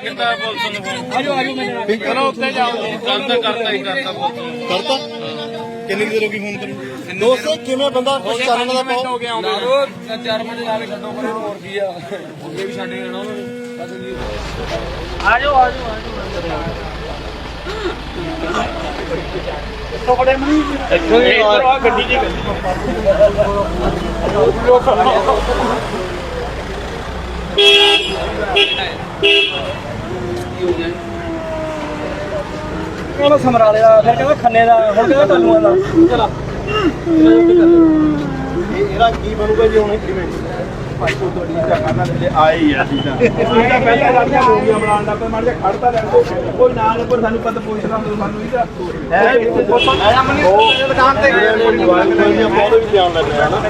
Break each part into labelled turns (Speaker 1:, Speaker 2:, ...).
Speaker 1: कितना पुलिस ने फोन चलो उत्ते जाओ करता करता ही करता
Speaker 2: करता कितनी देर होगी फोन करूं दोस्त किवें बंदा कुछ करन दा पाओ
Speaker 1: हो गया 4 मिनट ला के छड्डो पर और की आ ये भी छड्ड जाना उन्होंने आ जाओ तो बड़े मनी इधर आ गड्डी जी
Speaker 3: ਉਹਨੂੰ ਸਮਰਾ ਲਿਆ ਫਿਰ ਕਹਿੰਦਾ ਖੰਨੇ ਦਾ ਹੁਣ ਕਹਿੰਦਾ ਟੱਲੂਆਂ ਦਾ ਚਲਾ
Speaker 2: ਇਹਦਾ ਕੀ ਬਣੂਗਾ ਜੀ ਹੁਣ ਕਿਵੇਂ ਭਾਈ ਕੋ ਤੁਹਾਡੀ ਜਗ੍ਹਾ ਤੇ ਆਏ ਹੀ ਆ ਸੀਦਾ ਇਹਦਾ ਪਹਿਲਾਂ ਜਾਂਦੇ ਹੋ ਗਿਆ ਬਣਾਉਣ ਦਾ ਪਰ ਮਰ ਜਾ ਖੜਦਾ ਰਹਿੰਦੇ ਕੋਈ ਨਾ ਪਰ ਸਾਨੂੰ ਪਤਾ ਪੁੱਛਦਾ ਹੁੰਦਾ ਸਾਨੂੰ ਇਹਦਾ ਹੈ ਆਇਆ ਮਨੀ ਦੁਕਾਨ ਤੇ ਕੋਈ ਜਵਾਨ ਨਹੀਂ ਬਹੁਤ ਵੀ ਧਿਆਨ ਲੱਗਦਾ ਹੈ ਨਾ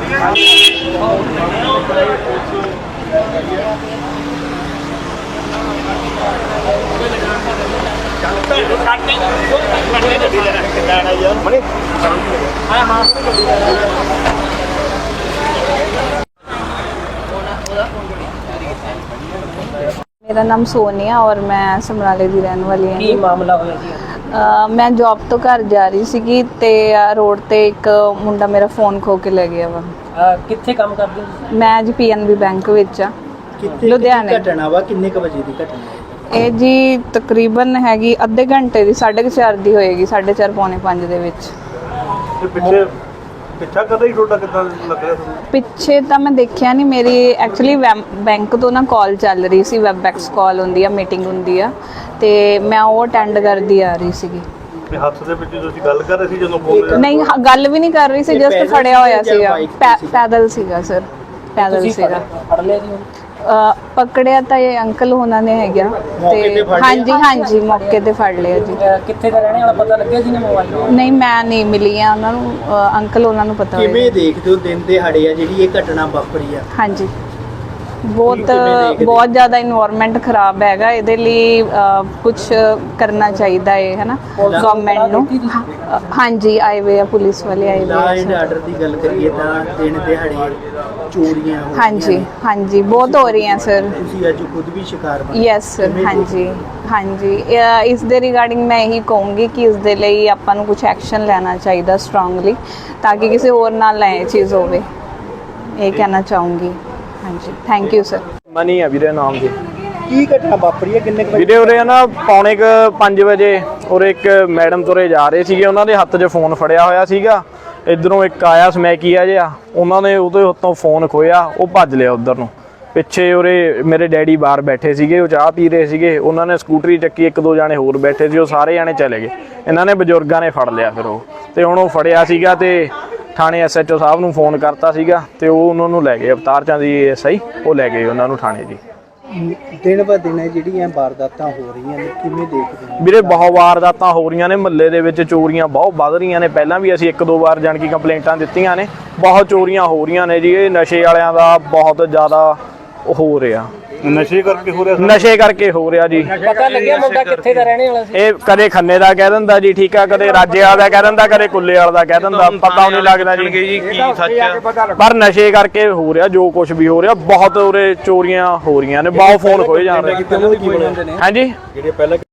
Speaker 4: मेरा नाम सोनिया और मैं समराले की रहने वाली हाँ।
Speaker 3: ਕੀ ਮਾਮਲਾ ਹੋਇਆ ਜੀ
Speaker 4: मैं जॉब तो घर जा रही सी ते रोड ते एक मुंडा मेरा फोन खो के ले गया वा।
Speaker 3: ਕਿੱਥੇ ਕੰਮ ਕਰਦੇ ਹੋ
Speaker 4: मैं जी PNB बैंक विच आ लुधियाने।
Speaker 5: घटना वा किन्ने क बजे दी घटना
Speaker 4: ਇਹ ਜੀ ਤਕਰੀਬਨ ਹੈਗੀ ਅੱਧੇ ਘੰਟੇ ਦੀ 4:30 ਦੀ ਹੋਏਗੀ 4:30 ਪੌਣੇ 5 ਦੇ ਵਿੱਚ।
Speaker 2: ਪਿੱਛਾ ਕਰਦਾ ਹੀ ਤੁਹਾਡਾ ਕਿੱਦਾਂ ਲੱਗ ਰਿਹਾ ਤੁਹਾਨੂੰ
Speaker 4: ਪਿੱਛੇ ਤਾਂ ਮੈਂ ਦੇਖਿਆ ਨਹੀਂ ਮੇਰੀ ਐਕਚੁਅਲੀ ਬੈਂਕ ਤੋਂ ਨਾ ਕਾਲ ਚੱਲ ਰਹੀ ਸੀ ਵੈਬਐਕਸ ਕਾਲ ਹੁੰਦੀ ਆ ਮੀਟਿੰਗ ਹੁੰਦੀ ਆ ਤੇ ਮੈਂ ਉਹ ਅਟੈਂਡ ਕਰਦੀ ਆ ਰਹੀ ਸੀਗੀ।
Speaker 2: ਹੱਥ ਦੇ ਵਿੱਚ ਤੁਸੀਂ ਗੱਲ ਕਰ ਰਹੇ ਸੀ ਜਦੋਂ ਬੋਲ
Speaker 4: ਨਹੀਂ ਗੱਲ ਵੀ ਨਹੀਂ ਕਰ ਰਹੀ ਸੀ ਜਸਟ ਖੜਿਆ ਹੋਇਆ ਸੀਗਾ ਪੈਦਲ ਸੀਗਾ ਸਰ ਪੈਦਲ ਸੀਗਾ।
Speaker 3: ਫੜ ਲਿਆ ਜੀ
Speaker 4: ਪਕੜਿਆ ਤਾਂ ਇਹ ਅੰਕਲ ਉਹਨਾਂ ਨੇ ਹੈਗਾ ਤੇ ਹਾਂਜੀ ਮੌਕੇ ਤੇ ਫੜ ਲਿਆ ਜੀ।
Speaker 3: ਕਿੱਥੇ ਦਾ ਰਹਿਣੇ ਵਾਲਾ ਪਤਾ ਲੱਗਿਆ ਜੀ ਨੇ ਮੋਬਾਈਲ
Speaker 4: ਨਹੀਂ ਮੈਂ ਨਹੀਂ ਮਿਲੀ ਆ ਉਹਨਾਂ ਨੂੰ ਅੰਕਲ ਉਹਨਾਂ ਨੂੰ ਪਤਾ
Speaker 5: ਕਿਵੇਂ
Speaker 4: ਹੋਏਗਾ।
Speaker 5: ਦੇਖਦੇ ਹੋ ਦਿਨ ਦਿਹਾੜੇ ਆ ਜਿਹੜੀ ਇਹ ਘਟਨਾ ਵਾਪਰੀ ਆ
Speaker 4: ਹਾਂਜੀ ਬਹੁਤ ਜ਼ਿਆਦਾ ਇਨਵਾਇਰਨਮੈਂਟ ਖਰਾਬ ਹੈਗਾ ਇਹਦੇ ਲਈ ਕੁਝ ਕਰਨਾ ਚਾਹੀਦਾ ਹੈ ਹੈਨਾ ਗਵਰਨਮੈਂਟ ਨੂੰ। ਹਾਂਜੀ ਆਏ ਵੇ ਆ ਪੁਲਿਸ ਵਾਲੇ ਆਏ
Speaker 5: ਲਾ
Speaker 4: ਵੇ
Speaker 5: ਐਂਡ ਆਰਡਰ ਦੀ ਗੱਲ ਕਰੀਏ ਤਾਂ ਦਿਨ ਦਿਹਾੜੇ ਚੋਰੀਆਂ ਹੋ
Speaker 4: ਹਾਂਜੀ ਬਹੁਤ ਹੋ ਰਹੀਆਂ ਸਰ।
Speaker 5: ਤੁਸੀਂ ਅੱਜ ਖੁਦ ਵੀ ਸ਼ਿਕਾਰ ਬਣੇ
Speaker 4: ਯੈਸ ਸਰ ਹਾਂਜੀ ਇਸ ਦੇ ਰਿਗਾਰਡਿੰਗ ਮੈਂ ਇਹੀ ਕਹੂੰਗੀ ਕਿ ਇਸ ਦੇ ਲਈ ਆਪਾਂ ਨੂੰ ਕੁਝ ਐਕਸ਼ਨ ਲੈਣਾ ਚਾਹੀਦਾ ਸਟਰੋਂਗਲੀ ਤਾਂ ਕਿ ਕਿਸੇ ਹੋਰ ਨਾਲ ਨਾ ਇਹ ਚੀਜ਼ ਹੋਵੇ ਇਹ ਕਹਿਣਾ ਚਾਹੂੰਗੀ। ਹਾਂਜੀ ਥੈਂਕ ਯੂ ਸਰ।
Speaker 6: ਮਨੀ ਆ ਵੀਰੇ ਨਾਮ ਜੀ।
Speaker 5: ਕੀ ਘਟਨਾ ਵਾਪਰੀ ਹੈ ਕਿੰਨੇ ਕ ਵਜੇ
Speaker 6: ਵੀਰੇ ਉਰੇ ਨਾ ਪੌਣੇ 5 ਵਜੇ ਉਰੇ ਇੱਕ ਮੈਡਮ ਤੁਰੇ ਜਾ ਰਹੇ ਸੀਗੇ ਉਹਨਾਂ ਦੇ ਹੱਥ 'ਚ ਫੋਨ ਫੜਿਆ ਹੋਇਆ ਸੀਗਾ। ਇੱਧਰੋਂ ਇੱਕ ਆਇਆ ਸਮੈਕੀਆ ਜਿਹਾ ਉਹਨਾਂ ਨੇ ਉਹਦੇ ਹੱਥੋਂ ਫੋਨ ਖੋਇਆ ਉਹ ਭੱਜ ਲਿਆ ਉੱਧਰ ਨੂੰ। ਪਿੱਛੇ ਉਰੇ ਮੇਰੇ ਡੈਡੀ ਬਾਹਰ ਬੈਠੇ ਸੀਗੇ ਉਹ ਚਾਹ ਪੀ ਰਹੇ ਸੀਗੇ ਉਹਨਾਂ ਨੇ ਸਕੂਟਰੀ ਚੱਕੀ 1-2 ਜਾਣੇ ਹੋਰ ਬੈਠੇ ਸੀ ਉਹ ਸਾਰੇ ਜਾਣੇ ਚਲੇ ਗਏ। ਇਹਨਾਂ ਨੇ ਬਜ਼ੁਰਗਾਂ ਨੇ ਫੜ ਲਿਆ ਫਿਰ ਉਹ ਤੇ ਹੁਣ ਉਹ ਫੜਿਆ ਸੀਗਾ ਤੇ ਥਾਣੇ SHO ਸਾਹਿਬ ਨੂੰ ਫੋਨ ਕਰਤਾ ਸੀਗਾ ਤੇ ਉਹ ਉਹਨਾਂ ਨੂੰ ਲੈ ਗਏ ਅਵਤਾਰ ਚੰਦ ਜੀ SI ਉਹ ਲੈ ਗਏ ਉਹਨਾਂ ਨੂੰ ਥਾਣੇ ਜੀ।
Speaker 5: ਦਿਨ ਬ ਦਿਨ ਜਿਹੜੀਆਂ ਵਾਰਦਾਤਾਂ ਹੋ ਰਹੀਆਂ ਨੇ ਕਿਵੇਂ ਦੇਖਦੇ ਹੋ
Speaker 6: ਵੀਰੇ ਬਹੁਤ ਵਾਰਦਾਤਾਂ ਹੋ ਰਹੀਆਂ ਨੇ ਮਹੱਲੇ ਦੇ ਵਿੱਚ ਚੋਰੀਆਂ ਬਹੁਤ ਵੱਧ ਰਹੀਆਂ ਨੇ। ਪਹਿਲਾਂ ਵੀ ਅਸੀਂ 1-2 ਵਾਰ ਜਾਣ ਕੀ ਕੰਪਲੇਂਟਾਂ ਦਿੱਤੀਆਂ ਨੇ ਬਹੁਤ ਚੋਰੀਆਂ ਹੋ ਰਹੀਆਂ ਨੇ ਜੀ। ਇਹ ਨਸ਼ੇ ਵਾਲਿਆਂ ਦਾ ਬਹੁਤ ਜ਼ਿਆਦਾ ਹੋ ਰਿਹਾ
Speaker 2: ਨਸ਼ੇ ਕਰਕੇ ਹੋ ਰਿਹਾ
Speaker 6: ਨਸ਼ੇ ਕਰਕੇ ਹੋ ਰਿਹਾ ਜੀ।
Speaker 3: ਪਤਾ ਲੱਗਿਆ ਮੁੰਡਾ ਕਿੱਥੇ ਦਾ ਰਹਿਣੇ ਵਾਲਾ ਸੀ
Speaker 6: ਇਹ ਕਦੇ ਖੰਨੇ ਦਾ ਕਹਿ ਦਿੰਦਾ ਜੀ ਠੀਕ ਆ ਕਦੇ ਰਾਜੇ ਵਾਲਾ ਦਾ ਕਹਿ ਦਿੰਦਾ ਕਦੇ ਕੁੱਲੇ ਵਾਲਾ ਦਾ ਕਹਿ ਦਿੰਦਾ ਪਤਾ ਨਹੀਂ ਲੱਗਦਾ ਜੀ
Speaker 1: ਕੀ ਸੱਚ ਆ
Speaker 6: ਪਰ ਨਸ਼ੇ ਕਰਕੇ ਹੋ ਰਿਹਾ ਜੋ ਕੁਝ ਵੀ ਹੋ ਰਿਹਾ ਬਹੁਤ ਉਰੇ ਚੋਰੀਆਂ ਹੋ ਰਹੀਆਂ ਨੇ ਬਹੁਤ ਫੋਨ ਖੋਏ ਜਾ ਰਹੇ ਹਾਂਜੀ
Speaker 2: ਜਿਹੜੇ ਪਹਿਲਾਂ